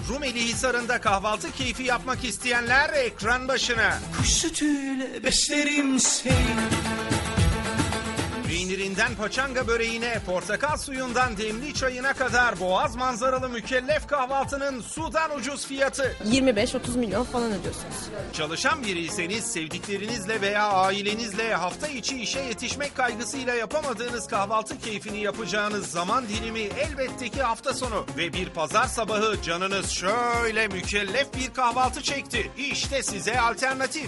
Rumeli Hisarı'nda kahvaltı keyfi yapmak isteyenler ekran başına. Kuş sütüyle beslerim seni. Peynirinden paçanga böreğine, portakal suyundan demli çayına kadar boğaz manzaralı mükellef kahvaltının sudan ucuz fiyatı. 25-30 milyon falan ödüyorsunuz. Çalışan biriyseniz sevdiklerinizle veya ailenizle hafta içi işe yetişmek kaygısıyla yapamadığınız kahvaltı keyfini yapacağınız zaman dilimi elbette ki hafta sonu. Ve bir pazar sabahı canınız şöyle mükellef bir kahvaltı çekti. İşte size alternatif.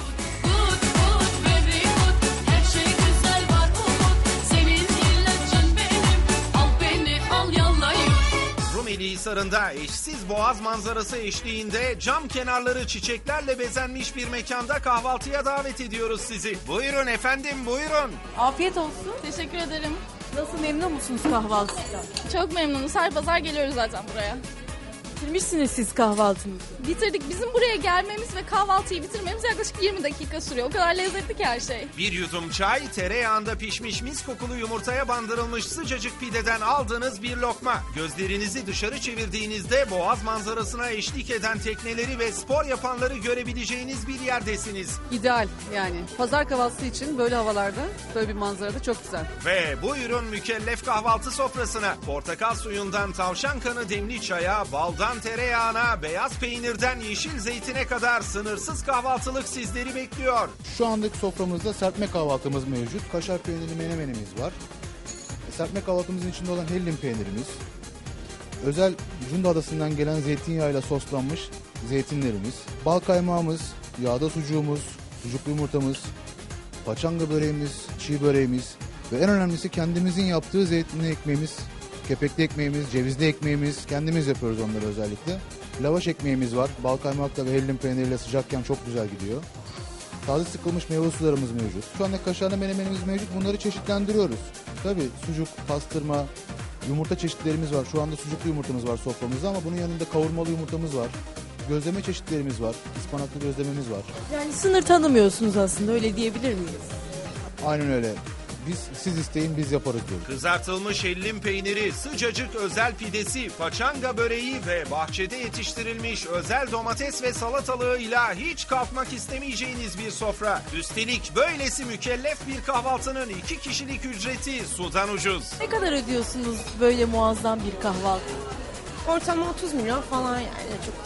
Rumeli Hisarı'nda eşsiz boğaz manzarası eşliğinde cam kenarları çiçeklerle bezenmiş bir mekanda kahvaltıya davet ediyoruz sizi. Buyurun efendim, buyurun. Afiyet olsun. Teşekkür ederim. Nasıl, memnun musunuz kahvaltıdan? Çok memnunuz. Her pazar geliyoruz zaten buraya. Bitirmişsiniz siz kahvaltınızı. Bitirdik. Bizim buraya gelmemiz ve kahvaltıyı bitirmemiz yaklaşık 20 dakika sürüyor. O kadar lezzetli ki her şey. Bir yudum çay, tereyağında pişmiş mis kokulu yumurtaya bandırılmış sıcacık pideden aldığınız bir lokma. Gözlerinizi dışarı çevirdiğinizde boğaz manzarasına eşlik eden tekneleri ve spor yapanları görebileceğiniz bir yerdesiniz. İdeal yani. Pazar kahvaltısı için böyle havalarda, böyle bir manzarada çok güzel. Ve buyurun mükellef kahvaltı sofrasına. Portakal suyundan tavşan kanı demli çaya, baldan tereyağına, beyaz peynirden yeşil zeytine kadar sınırsız kahvaltılık sizleri bekliyor. Şu andaki soframızda serpme kahvaltımız mevcut. Kaşar peynirli menemenimiz var. Serpme kahvaltımızın içinde olan hellim peynirimiz. Özel Cunda Adası'ndan gelen zeytinyağıyla soslanmış zeytinlerimiz. Bal kaymağımız, yağda sucuğumuz, sucuklu yumurtamız, paçanga böreğimiz, çiğ böreğimiz ve en önemlisi kendimizin yaptığı zeytinli ekmeğimiz, kepekli ekmeğimiz, cevizli ekmeğimiz, kendimiz yapıyoruz onları özellikle. Lavaş ekmeğimiz var. Bal kaymakla ve hellim peyniriyle sıcakken çok güzel gidiyor. Taze sıkılmış meyve sularımız mevcut. Şu anda kaşarlı menemenimiz mevcut. Bunları çeşitlendiriyoruz. Tabii sucuk, pastırma, yumurta çeşitlerimiz var. Şu anda sucuklu yumurtamız var soframızda ama bunun yanında kavurmalı yumurtamız var. Gözleme çeşitlerimiz var. Ispanaklı gözlememiz var. Yani sınır tanımıyorsunuz aslında, öyle diyebilir miyiz? Aynen öyle. Siz isteyin biz yaparız diyoruz. Kızartılmış hellim peyniri, sıcacık özel pidesi, paçanga böreği ve bahçede yetiştirilmiş özel domates ve salatalığıyla hiç kalkmak istemeyeceğiniz bir sofra. Üstelik böylesi mükellef bir kahvaltının 2 kişilik ücreti sudan ucuz. Ne kadar ödüyorsunuz böyle muazzam bir kahvaltı? Ortalama 30 milyon falan yani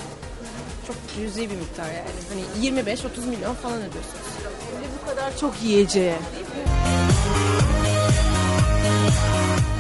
çok cüzi bir miktar yani. Hani 25-30 milyon falan ödüyorsunuz. Ve bu kadar çok yiyeceğe. Değil mi?